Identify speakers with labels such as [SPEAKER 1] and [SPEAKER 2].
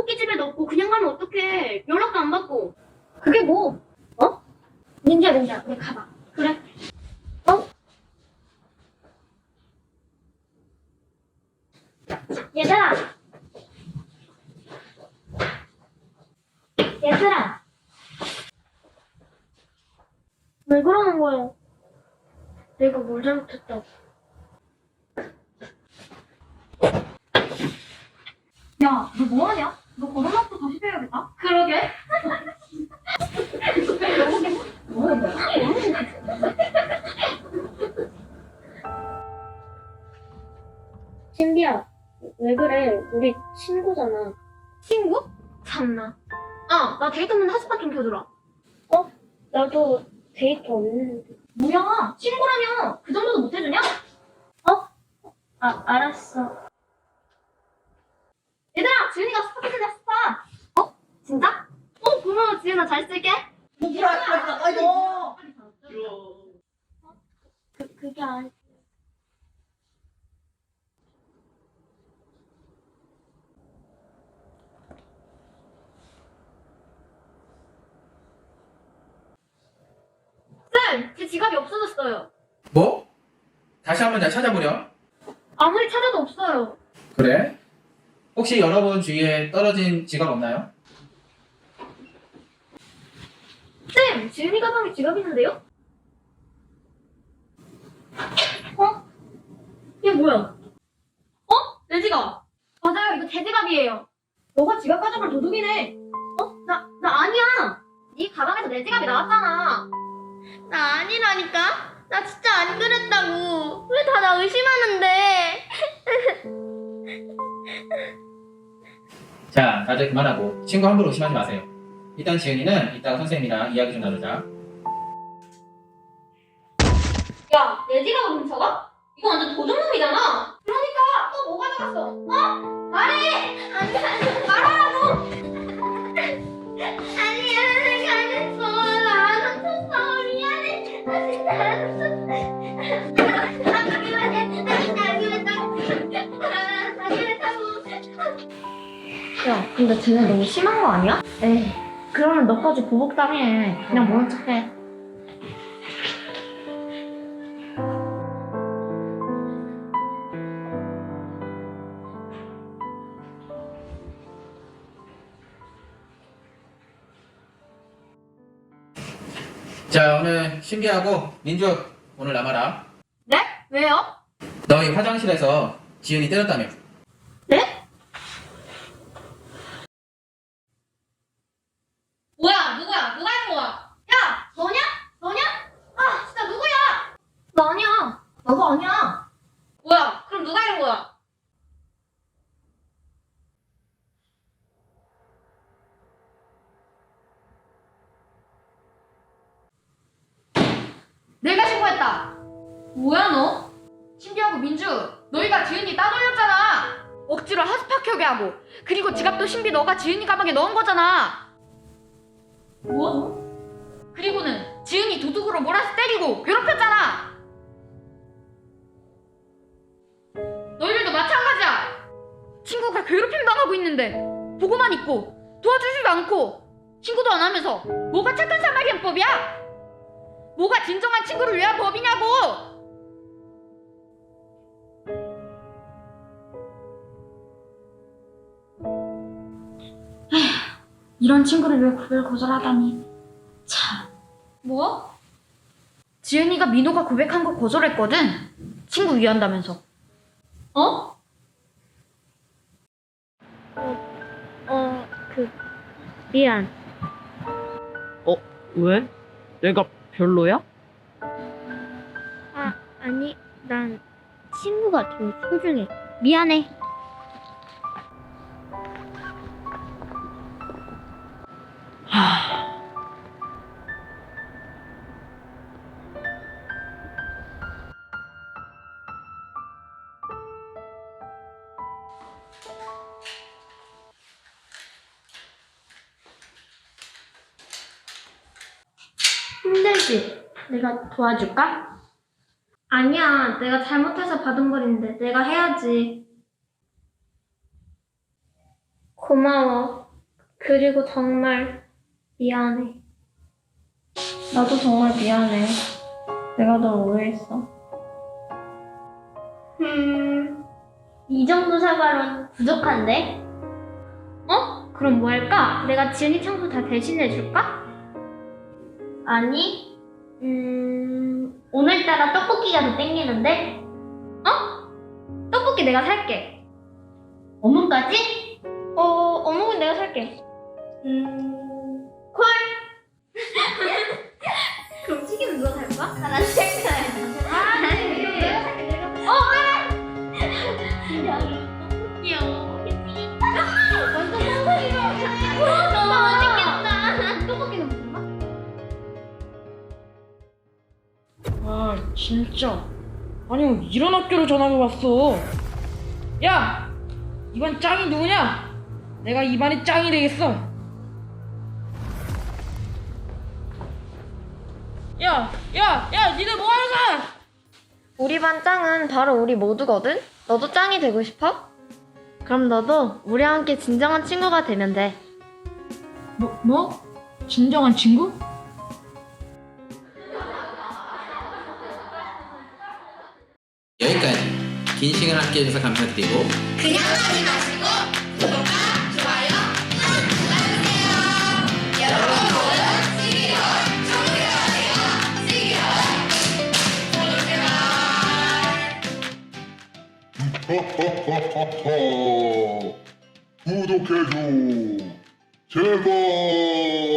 [SPEAKER 1] 토끼집에 넣고 그냥 가면 어떡해. 연락도 안 받고. 그게 뭐? 어? 민지야, 우리 가봐. 그래. 어? 얘들아! 얘들아! 왜 그러는 거야? 내가 뭘 잘못했다고. 야, 너 뭐하냐? 너 걸어놨고 다시 배워야겠다. 그러게. 신비야, 왜 그래? 우리 친구잖아. 친구? 참나. 나 데이트만 하룻밤 좀 켜주라. 어? 나도 데이트 없는데. 뭐야? 친구라며 그 정도도 못 해주냐? 알았어. 얘들아, 지은이가 스파 켜준다, 스파. 진짜? 고마워, 지은아. 잘 쓸게.
[SPEAKER 2] 아이고.
[SPEAKER 1] 그게 아니. 쌤, 제 지갑이 없어졌어요.
[SPEAKER 3] 뭐? 다시 한번 내가 찾아보렴.
[SPEAKER 1] 아무리 찾아도 없어요.
[SPEAKER 3] 그래? 혹시 여러분 주위에 떨어진 지갑 없나요?
[SPEAKER 1] 쌤, 지은이 가방에 지갑 있는데요? 이게 뭐야? 내 지갑. 맞아요, 이거 제 지갑이에요. 너가 지갑 가져갈 도둑이네. 나 아니야. 네 가방에서 내 지갑이 나왔잖아. 나 아니라니까? 나 진짜 안 그랬다고. 왜 다 나 의심하는데?
[SPEAKER 3] 자, 다들 그만하고 친구 함부로 의심하지 마세요. 일단 지은이는 이따가 선생님이랑 이야기 좀 나누자.
[SPEAKER 1] 야, 내 지갑을 훔쳐가? 이거 완전 도둑놈이잖아. 그러니까 또 뭐 가져갔어? 말해! 아니, 말하라고! 아니야, 내가 안 했어. 나 안 훔쳤어. 미안해. 나 진짜 안 훔쳤어. 안 그랬다고. 야, 근데 쟤네 너무 심한 거 아니야? 에이, 그러면 너까지 보복당해. 그냥 모른 척해.
[SPEAKER 3] 자, 오늘 신비하고 민주 오늘 남아라.
[SPEAKER 1] 네? 왜요?
[SPEAKER 3] 너희 화장실에서 지은이 때렸다며.
[SPEAKER 1] 네? 뭐야? 누구야? 누가 했는 거야? 야! 너냐? 너냐? 진짜 누구야? 나 아니야. 나도 아니야. 뭐야? 그럼 누가 이런 거야?
[SPEAKER 4] 내가 신고했다. 뭐야 너? 신비하고 민주, 너희가 지은이 따돌렸잖아. 억지로 하스파 켜게 하고, 그리고 지갑도 신비 너가 지은이 가방에 넣은 거잖아. 뭐? 그리고는 지은이 도둑으로 몰아서 때리고 괴롭혔잖아. 너희들도 마찬가지야. 친구가 괴롭힘 당하고 있는데 보고만 있고 도와주지도 않고 신고도 안 하면서 뭐가 착한 사마리안법이야? 뭐가 진정한 친구를 위한 법이냐고! 에휴, 이런 친구를 왜 고백을 거절하다니. 참. 뭐? 지은이가 민호가 고백한 거 거절했거든? 친구 위한다면서.
[SPEAKER 1] 미안.
[SPEAKER 2] 왜? 내가 별로야?
[SPEAKER 1] 아니, 난 친구가 좀 소중해. 미안해. 힘들지? 내가 도와줄까? 아니야, 내가 잘못해서 받은 벌인데 내가 해야지. 고마워. 그리고 정말 미안해. 나도 정말 미안해. 내가 널 오해했어. 이 정도 사과론 부족한데? 그럼 뭐 할까? 내가 지은이 청소 다 대신해줄까? 아니, 오늘따라 떡볶이가 더 땡기는데? 떡볶이 내가 살게. 어묵까지? 어묵은 내가 살게. 콜! 그럼 튀김은 누가 살 거야? 난 살 거야. 내가 살게, 내가 살게. 귀여워. 완전 상상이야. 너무 맛있겠다. 떡볶이는 무슨 맛?
[SPEAKER 2] 아 진짜. 아니 이런 학교로 전학을 왔어. 야! 이번 짱이 누구냐? 내가 이반의 짱이 되겠어. 야! 니들 뭐하는 거야?
[SPEAKER 1] 우리 반 짱은 바로 우리 모두거든? 너도 짱이 되고 싶어? 그럼 너도 우리와 함께 진정한 친구가 되면 돼.
[SPEAKER 2] 뭐? 진정한 친구?
[SPEAKER 3] 여기까지. 긴 시간 함께 해주셔서 감사드리고
[SPEAKER 5] 그냥 가지 마시고 구독과 좋아요 눌러주세요. 여러분 모두 11월 청소년이에요. 11월.
[SPEAKER 6] 구독해줘 제발.